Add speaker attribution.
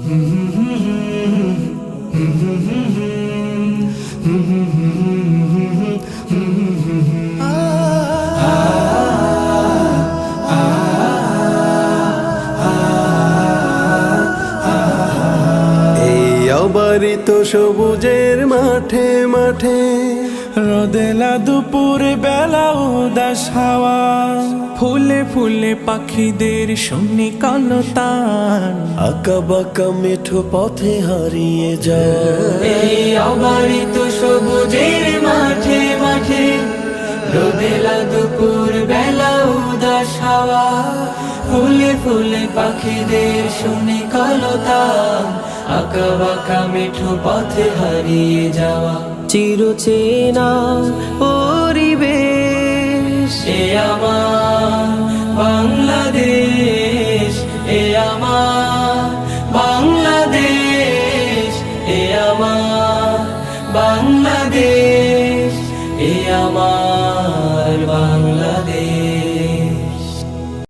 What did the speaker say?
Speaker 1: বাড়িত সবুজের মাঠে মাঠে
Speaker 2: রোদেলা দুপুর বেলা উদাস হাওয়া, ফুলে ফুলে পাখিদের শুনি কলতান,
Speaker 1: আঁকা বাঁকা মেঠো পথে হারিয়ে যায়।
Speaker 3: এই অবারিত সবুজের মাঠে মাঠে রোদেলা দুপুর বেলা উদাস হাওয়া, ফুলে ফুলে পাখিদের শুনি কলতান, আঁকা বাঁকা মেঠো পথে হারিয়ে যাওয়া।
Speaker 1: চিরচেনা পরিবেশ
Speaker 3: এ আমার বাংলাদেশ, এ আমার বাংলাদেশ, এ আমার বাংলাদেশ।